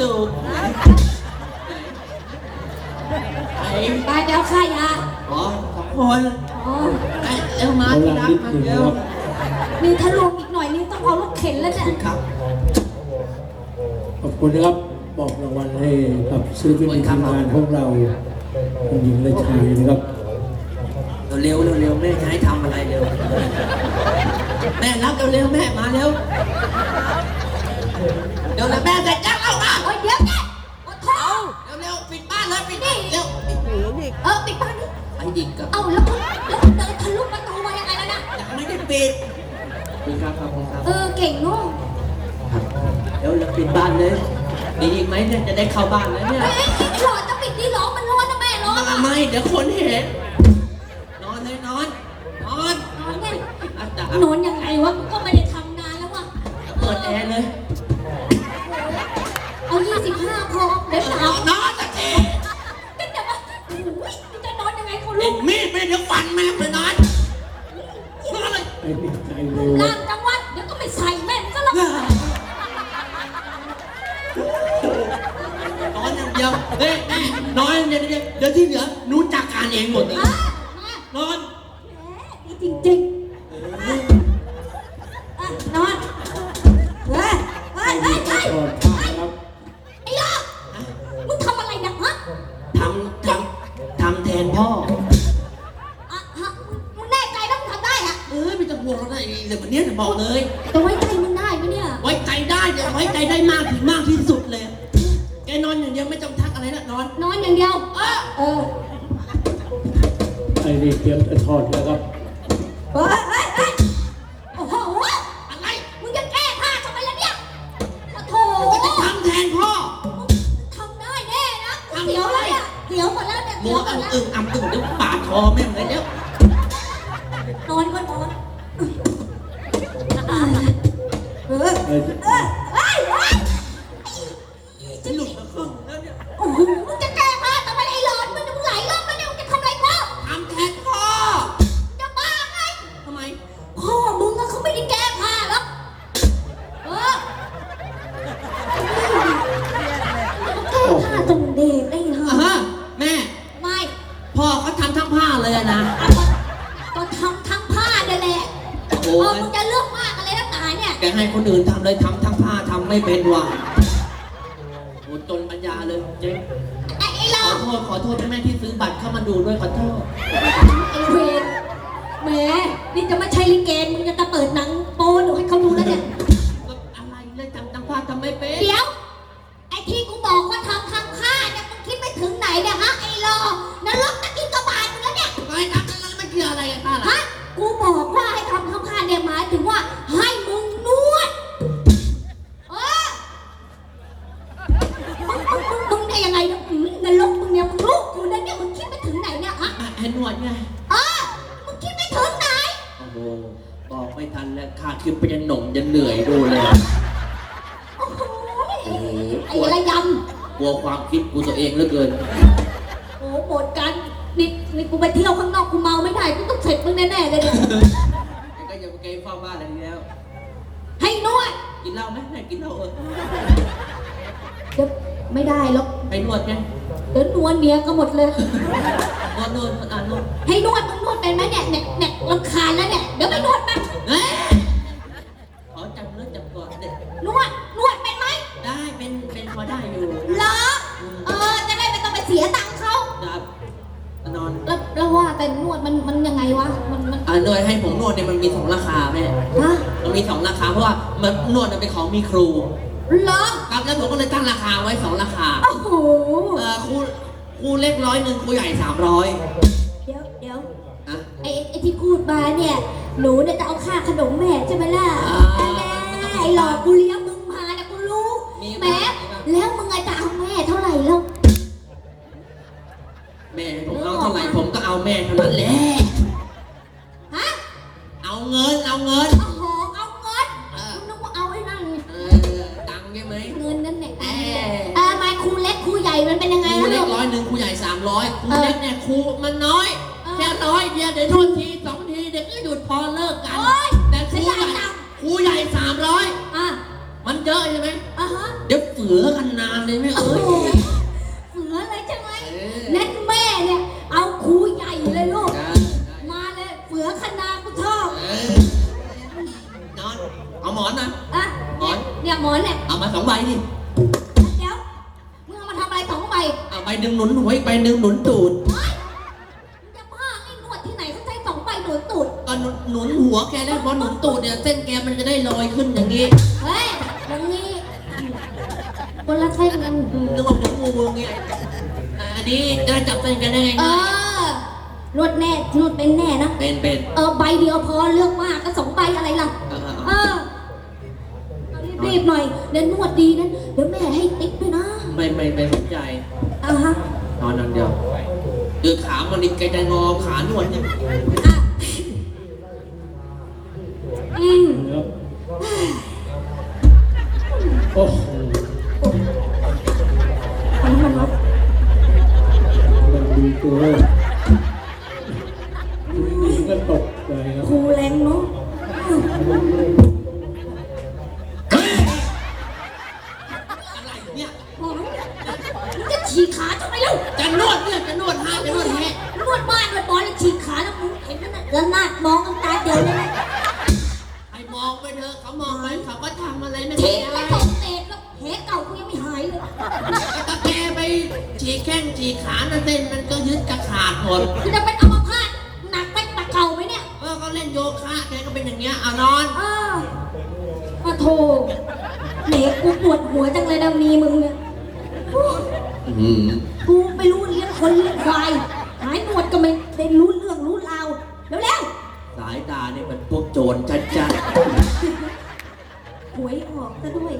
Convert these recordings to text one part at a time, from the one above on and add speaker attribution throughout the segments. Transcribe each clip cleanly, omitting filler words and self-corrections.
Speaker 1: ตูบไอ้
Speaker 2: ไปเดี๋ยวค่ายา
Speaker 1: อ๋อสองคน
Speaker 2: อ๋อ
Speaker 1: ไอ้เร็วมาที่รักมาเร็ว
Speaker 2: นี่ถ้ารวมอีกหน่อยนี่ต้องเอารถเข็นแล้วเนี่ย
Speaker 1: ครับ
Speaker 3: ขอบคุณนะครับบอกรางวัลให้กับศิลปินในทีมงานของเราคุณหญิงและชายนะครับ
Speaker 1: เร็วแม่จะให้ทำอะไรเร็วแม่รับเร็วแม่มาเร็วเดี๋ยวแม่ใส่แจ็คเอามา
Speaker 2: เฮ้ยเดี๋ยวแกโอ้โห
Speaker 1: เร็วปิดบ้านเลยปิดบ้านเร็ว
Speaker 2: ปิดบ้านนี่
Speaker 1: ไอ้ดิกกับ
Speaker 2: เอ้าแล้วเดินทะลุประตูมายังไงแล้วนะ
Speaker 1: ยังไม่ได้ปิดครับครับ
Speaker 2: เก่งเนาะ
Speaker 1: เดี๋ยวเราปิดบ้านเลยมีอีกไหมเนี่ยจะได้เข้าบ้านแล้วเนี่ย
Speaker 2: หลอดจะปิดที่ร้องมันร้อนนะแม่ร้อน
Speaker 1: ไม่เดี๋ยวคนเห็นนอนเลยนอน
Speaker 2: นอนไง
Speaker 1: อาจาร
Speaker 2: นอนยังไงวะกูก็ไม่ได้ทำนานแล้ววะ
Speaker 1: เปิดแอร์เลย
Speaker 2: เอา25พอเดี๋ยวหนาวน
Speaker 1: อนสักที
Speaker 2: ก็จะมาจะนอนยังไงเขา
Speaker 1: เด็
Speaker 2: ลู
Speaker 1: ก
Speaker 2: ก
Speaker 1: มีดไปเดี๋ยวฟันแม่ไปนอนนอนเลย
Speaker 3: ไอ้นี่ใจเร็ว
Speaker 2: ล่างจังหวัดเดี๋ยวก็ไม่ใส่แม่ก็ละ
Speaker 1: นอนอย่างเดียวเฮ้ยแม่นอนอย่างเดียวเดี๋ยวที่เหลือหนูจัดการเองหมดเลยนอน
Speaker 2: นี่จริงๆนอนเฮ้ย
Speaker 3: ถอดผ้าครับ
Speaker 2: ไอ้ยอมึงทำอะไรเนี่ยฮะ
Speaker 1: ทำแทนพ่อ
Speaker 2: มึงแน่ใจแล้วมึงทำได้อะ
Speaker 1: ไม่ต้องห่วงแล้วนะเดี๋ยววันนี้จะบอกเลย
Speaker 2: จะไว้ใจมึงได้ไหมเนี่ย
Speaker 1: ไว้ใจได้เดี๋ยวไว้ใจได้มากถึงมากที่สุดเลยแกนอนอย่างเดียวไม่ต้องทักอะไรละนอน
Speaker 2: นอนอย่างเดียวเออ
Speaker 3: ไอ้นี่เตรียมจะถอดแล้วครับ
Speaker 2: เฮ้ยโอ้โห
Speaker 1: อะไร
Speaker 2: มึงจะแก้ผ้าทำไมล่ะเนี่ยโอ้โถ
Speaker 1: ก็จะทำแทนพ่อ
Speaker 2: ทำได้แน่นะเสียวแล้วเนี่ยเสียวหมดแล้วเนี่ย
Speaker 1: มัวอึ้งอ่ำอึ้งเดี๋ยวปาดคอแม่งเลยเดี๋ยวน
Speaker 2: อนก็นอนเออ
Speaker 3: เอ้ย
Speaker 1: จะหลุดมาครึ่งแล้วเนี่ย
Speaker 2: โอ้โหมึงจะแก้ผ้าทำไมไอ้หลอนมึงไหลรอบมาเนี่ยมึงจะทำอะไรพ่อ
Speaker 1: ทำแทนพ่อ
Speaker 2: จะบ้าไง
Speaker 1: ทำไม
Speaker 2: พ่อมึงอะเขาไม่ได้แก้ผ้าหรอกแก้ผ้าตรงเด็กได้เหรอ
Speaker 1: ฮะแม่
Speaker 2: ไม่
Speaker 1: พ่อเขาทำทั้งผ้าเลยอะนะ
Speaker 2: ก็ทำทั้งผ้าเนี่ยแหละ
Speaker 1: โอ้
Speaker 2: มึงจะเลือกมากอะไรนักหนาเนี่ย
Speaker 1: แกให้คนอื่นทำเลยทำทั้งผ้าทำไม่เป็นว่ะโอ้จนปัญญาเลยเจ๊
Speaker 2: ไอ้หล
Speaker 1: ข
Speaker 2: อ
Speaker 1: อน โทษแม่ที่ซื้อบัตรเข้ามาดูด้วยขอโทษ
Speaker 2: ไอ้เวรแหมนี่จะไม่ใช่ลิเกมึงจะเปิดหนังโป๊ดูให้เขาดูแล้วเนี่ย
Speaker 1: ก็อะไรเลยทำทั้งผ้าทำไม่เป็น
Speaker 2: เดี๋ยว ไอ้ที่กูบอกว่าทำทั้งผ้าเนี่ยมึงคิดไปถึงไหนเนี่ยฮะไอ้หลอนรกตะกินกระบาลมึงแล้วเนี่ย
Speaker 1: ไม่ทำนั้นไม่เกี่ยวอะไรกันป้าล่ะ
Speaker 2: ฮะกูบอกว่าให้ทำทั้งผ้าเนี่ยหมายถึงว่าให้มึงนวดมึงได้ยังไงเนี่ยนรกมึงเนี่ยมึงลูกกูนะเนี่ยมึงคิดไปถึงไหนเนี่ยฮะ
Speaker 1: ให้นวดไง
Speaker 2: มึงคิดไปถึงไหน
Speaker 1: โอ้โหบอกไม่ทันแล้วข้าคิดไปจะหน่งจะเหนื่อยดูเลย
Speaker 2: โอ้โห
Speaker 1: โอ้โห
Speaker 2: ไอ้ระย
Speaker 1: กลัวความคิดกูตัวเองเหลือเกิน
Speaker 2: ำโอ้หมดกันนี่กูไปเที่ยวข้างนอกกูเมาไม่ได้กูต้องเสร็จมึงแน่ๆเลยเนี่ย
Speaker 1: ก็อย่าไปเกยเฝ้าบ้านอะไรแล้ว
Speaker 2: ให้นวด
Speaker 1: กินเหล้าไหมแม่กินเหล้า
Speaker 2: เดี๋ยวไม่ได้หรอก
Speaker 1: ให้นวดไง
Speaker 2: เดี๋ยวนวดเมียก็หมดเลย
Speaker 1: นวดนวด
Speaker 2: ให้นวดมึงนวดเป็นไหมเนี่ยรำคาญแล้วเนี่ยเดี๋ยวไปนวดมัน
Speaker 1: เฮ้ยขอจับเนื้อจับตัวเด็ก
Speaker 2: นวดเป็นไหม
Speaker 1: ได้เป็นพอได้อยู่
Speaker 2: เหรอจะได้ไม่ต้องไปเสียตังค์เขา
Speaker 1: ครับนอน
Speaker 2: แล้วว่าแต่นวดมันยังไงวะมัน
Speaker 1: นวดให้ผมนวดเนี่ยมันมีสองราคาแม่
Speaker 2: ฮะ
Speaker 1: มันมีสองราคาเพราะว่ามันนวดเป็นของมีครู
Speaker 2: เหรอ
Speaker 1: ครับแล้วผมก็เลยตั้งราคาไว้สองราคา
Speaker 2: โอ้โห
Speaker 1: ครูเล็ก100ครูใหญ่300
Speaker 2: เดี๋ยว
Speaker 1: นะ
Speaker 2: ไอ้ที่พูดมาเนี่ยหนูเนี่ยจะเอาค่าขนมแม่ใช่ไหมล่ะแม่ไอ้หลอกกูเลี้ยงมึงมาเนี่ยกูรู้แม่แล้วมึงไงจะเอาแม่เท่าไหร่แล้ว
Speaker 1: แม่ผมเอาเท่าไหร่ผมก็เอาแม่เท่านั้นแหละ
Speaker 2: ฮะ
Speaker 1: เอาเงิน
Speaker 2: โอ้โหเอาเงินนึกว่าเอาไอ้นั่น
Speaker 1: ตังค์ใช่ไหม
Speaker 2: เงินนั่นแหละมาครูเล็กครูใหญ่มันเป็นยังไง
Speaker 1: ครู
Speaker 2: ล่ะ
Speaker 1: เล็
Speaker 2: ลู
Speaker 1: ก
Speaker 2: ก
Speaker 1: 100ครูใหญ่300ครูเล็กเนี่ยครูมันน้อยแค่100เดียวเดี๋ยวนวดที2ทีเด็กก็หยุดพอเลิกกันแต่ครูใหญ่300มันเยอะใช่ไหม
Speaker 2: ฮะ
Speaker 1: เดี๋ยวเฝือกันนานเลยแม่
Speaker 2: โอ้
Speaker 1: เอ้
Speaker 2: โห
Speaker 1: ย
Speaker 2: เสือเลยใช่ไหมนั่นแม่เนี่ยเอาครูใหญ่เลยลูกมาเลยเสือคณะกูชอบ
Speaker 1: นอนเอาหมอนนะ
Speaker 2: อ่ะเนี่ยหมอนเนี่ย
Speaker 1: เอามา2 ใบดิ
Speaker 2: เดี๋ยวมึงเอามาทำอะไร2 ใบ
Speaker 1: เอาใบหนึ่งหนุนหัวอีกใบหนึ่งหนุนตูด
Speaker 2: มึงจะบ้าไอ้หนวดที่ไหนเขาใช้2 ใบหนวดตูด
Speaker 1: ก็หนุนหัวแกแล้วพอหนุนตูดเนี่ยเส้นแกมันจะได้ลอยขึ้นอย่างนี้
Speaker 2: เฮ้ยอย่างนี้คนละเส้นกัน
Speaker 1: นึกว่าผมงูเงี้ยอันนี้จะจับเส้นกันได้ไง
Speaker 2: นวดแน่นวดเป็นแน่นะ
Speaker 1: เป็น
Speaker 2: ใบเดียวพอเลือกมากก็2 ใบอะไรล่ะเอารีบๆหน่อยเดี๋ยวนวดดีนั้นเดี๋ยวแม่ให้ติ๊กด้วยนะ
Speaker 1: ไม่สนใจ
Speaker 2: ฮะ
Speaker 1: นอนเดียวคือขามันนี่แกจะงอขาหนวดเนี่ย
Speaker 2: อ่ะอืม
Speaker 3: ครับโอ้โห
Speaker 2: มันมันวะ
Speaker 3: มันดูตัวก็ตกใจครับ
Speaker 2: ครูแรงเนาะ
Speaker 1: อะไรเนี่ย
Speaker 2: มึงจะฉีกขาทำไมเล่า
Speaker 1: จะนวดเนี่ยจะนวดจะนวดแฮะ
Speaker 2: นวดบ้านนวดบอลแล้วฉีกขาแล้วมึงเห็นนั่นน่ะแล้วหน้ามองกันตาเดียวเลยนะ
Speaker 1: ให้มองไปเถอะเขามองไปเขาก็ทำอะไรไม่
Speaker 2: ฉี
Speaker 1: ได้
Speaker 2: กไม่ตกเตะแล้วแผลเก่ากูยังไม่หายเลย
Speaker 1: ถ้าแกไปฉีกแข้งฉีกขานั่นเส้นมันก็ยึดกระขาดหมด
Speaker 2: คือจะเป็นอัมพาตหนักเป็นตะเก่าไหมเนี่ย
Speaker 1: ก็เล่นโยคะแกก็เป็นอย่างเงี้ยเอานอน
Speaker 2: มาโทเหนกูปวดหัวจังเลยนะมีมึงเนี่ยกูไม่รู้เลี้ยงคนเลี้ยงควายหายหนวดก็ไม่ได้รู้เรื่องรู้ราวเร็ว
Speaker 1: สายตาเนี่ยมันพวกโจรชัด
Speaker 2: ๆหวยออกซะด้วย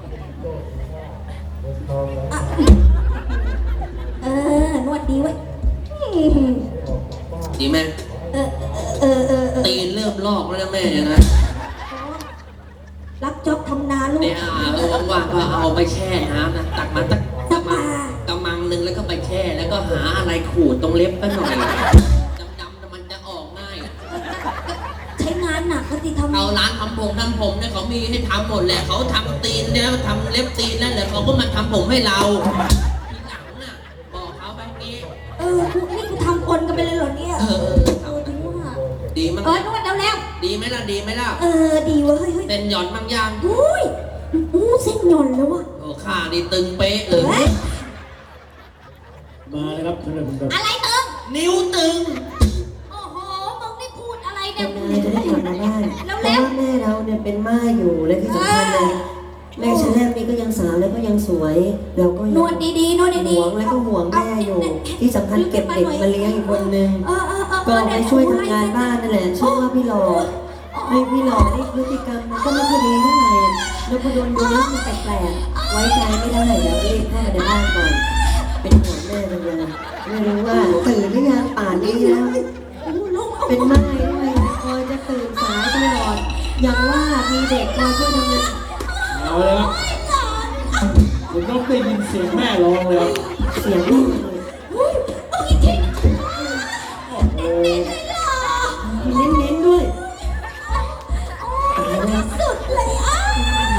Speaker 2: อ่ะนวดดีไว้ย
Speaker 1: ๆดีไหม
Speaker 2: เออ
Speaker 1: ตีนเริ่มลอกแล้วนะแม่เนี่ยนะ
Speaker 2: รับจ็อบทำนาลูก
Speaker 1: เนี่ยว่างๆก็เอาไปแช่น้ำนะตักมาสักกำมังหนึ่งแล้วก็ไปแช่แล้วก็หาอะไรขูดตรงเล็บก็หน่อยดำๆมันจะออกง่าย
Speaker 2: ใช้งานหนักก็สิทำ
Speaker 1: เอาร้านทำผมเนี่ยเขามีให้ทำหมดแหละเขาทำตีนเนี่ยทำเล็บตีนนั่นแหละเขาก็มาทำผมให้เราทีหลังน่ะบอกเขาแบบนี้
Speaker 2: กูนี่กูทำคนกันไปเลยเหรอเนี่ยถึงว่า
Speaker 1: ดีมั้ง
Speaker 2: นวดแล้ว
Speaker 1: ดีไหมล่ะดีไหมล่ะ
Speaker 2: ดีเว้ยเฮ้ย
Speaker 1: เต้นหย่อนบางอย่าง
Speaker 2: อุ้ยเส้นหย่อนแล้ววะ
Speaker 1: โอ้ขาดีตึงเป๊ะเลย
Speaker 3: มาเลยครับท่านผู้ชม
Speaker 2: อะไรตึง
Speaker 1: นิ้วตึง
Speaker 2: โอ้โหมึงได้พูดอะไรเนี่ย
Speaker 4: นายจะได้กลับมาบ้านเพราะว่าแม่เราเนี่ยเป็นม่ายอยู่และที่สำคัญเลยแม่ฉันแรกนี่ก็ยังสาวแล้วก็ยังสวยเราก็
Speaker 2: น
Speaker 4: ยัง
Speaker 2: วดดีๆนวดดีๆ
Speaker 4: ห่วงและก็ห่วงแม่อยู่ ที่สำคัญเก็บเด็กมาเลี้ยงอีกคนนึงก็ไปช่วยทำงานบ้านนั่นแหละชื่อว่าพี่หล่อให้พี่หล่อนี่พฤติกรรมมันก็ไม่ค่อยดีเท่าไหร่แล้วพอโดนดูแล้วมันแปลกๆไว้ใจไม่ได้เดี๋ยวรีบเข้ามาในบ้านก่อนเป็นห่วงแม่จังเลยไม่รู้ว่าตื่นหรือยังป่านนี้แล้ว เป็นไม้ด้วยคอยจะตื่นสายตลอดอย่างว่ามีเด็กคอยช่วยทำงาน
Speaker 3: เอาเลยครับผมต้องได้ยินเสียงแม่ร้องเลยครับ
Speaker 4: เสียงลูก
Speaker 3: โอ้โห
Speaker 4: เน้นๆด้วย
Speaker 2: สุดเลยอ่ะ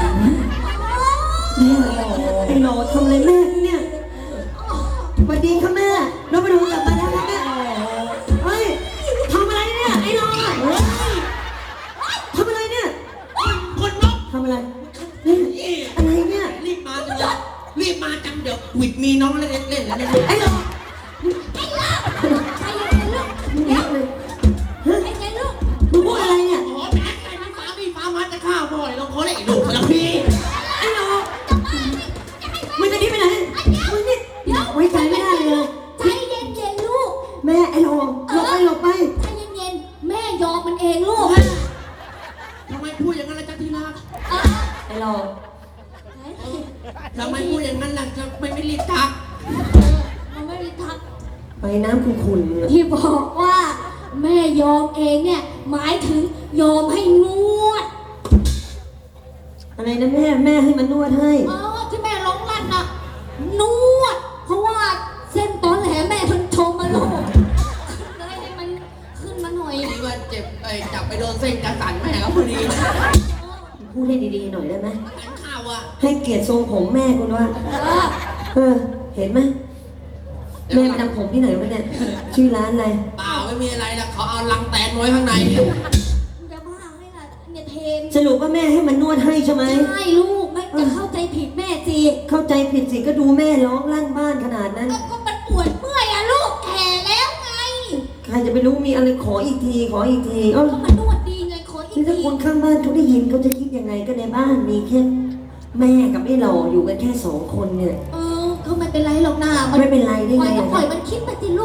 Speaker 4: แม่ไอ้หนอทำอะไรแม่เนี่ยสวัสดีค่ะแม่เราไปดูกลับมาแล้วนะแม่เฮ้ยทำอะไรเนี่ยไอ้หนอทำอะไรเนี่ย
Speaker 1: คนนก
Speaker 4: ทำอะไรเนี่ยอะไรเนี่ย
Speaker 1: รีบมาจังเลยรีบมาจังเดี๋ยววิดมีน้องเล่นแล้วเนี่ย
Speaker 4: ไอ้หนอ
Speaker 2: ใจเย็นๆลูก
Speaker 4: เดี๋ยวเลย
Speaker 2: ใจเย็นๆลูก
Speaker 4: มึงพูดอะไรเนี่ย
Speaker 1: โอ้แม่ใครมีฟ้ามาจะฆ่าพ่อเลยต้องขอเลยลูกคนละพี่
Speaker 4: ไอ้หนอมึงจะหนีไปไหนมึงนี่ไว้ใจไม่ได้เลย
Speaker 2: ใจเย็นๆลูก
Speaker 4: แม่ไอ้หนอหลบไป
Speaker 2: ใจเย็นๆแม่ยอมมันเองลูก
Speaker 1: ทำไมพูดอย่างนั้นล่ะจ๊ะที่รัก
Speaker 4: ไอ้หนอ
Speaker 1: ทำไมพูดอย่างนั้นล่ะจะไม่รีบทัก
Speaker 2: มันไม่ได้ทัก
Speaker 4: ไปน้ำขุ่นๆ
Speaker 2: ที่บอกว่า แม่ยอมเองเนี่ยหมายถึงยอมให้นวด
Speaker 4: อะไรนะแม่ให้มันนวดให้
Speaker 2: ที่แม่ร้องลั่นน่ะนวด เพราะว่าเส้นตอนแหลแม่มันโชว์มาลูกเลยให้มันขึ้นมาหน่อย
Speaker 1: ที่ว่าเจ็บจับไปโดนเส้นกระสันแม่เขาพอดี
Speaker 4: พูดให้ดีๆหน่อยได้ไหม
Speaker 1: หันข่าวอ่ะ
Speaker 4: ให้เกียรติทรงผมแม่คุณว่า
Speaker 2: เออ
Speaker 4: เห็นไหมแม่ไปทำผมที่ไหนวะเนี่ยชื่อร้านอะไร
Speaker 1: เปล่าไม่มีอะไรนะเขาเอาลังแตนไว้ข้างใน
Speaker 2: มึงจะบ้าไงล่ะเนี่ยเทน
Speaker 4: สรุปว่าแม่ให้มันนวดให้ใช่ไหม
Speaker 2: ใช่ลูกไม่จะเข้าใจผิดแม่สิ
Speaker 4: เข้าใจผิดสิก็ดูแม่ร้องลั่นบ้านขนาดนั้น
Speaker 2: ก็มันปวดเมื่อยอะลูกแก่แล้วไง
Speaker 4: ใครจะไปรู้มีอะไรขออีกทีขออีกทีเอ้า
Speaker 2: ก็มันนวดดีไงขออีก
Speaker 4: นี่ถ้า
Speaker 2: ที
Speaker 4: คนข้างบ้านเขาได้ยินเขาจะคิดยังไงก็ในบ้านมีแค่แม่กับไอ้หล่ออยู่กันแค่2 คนเนี่ย
Speaker 2: ก็ไม่เป็นไรหรอกนะ
Speaker 4: ไม่เป็นไรได้ไง
Speaker 2: ปล่อยมันคิดไปสิลูก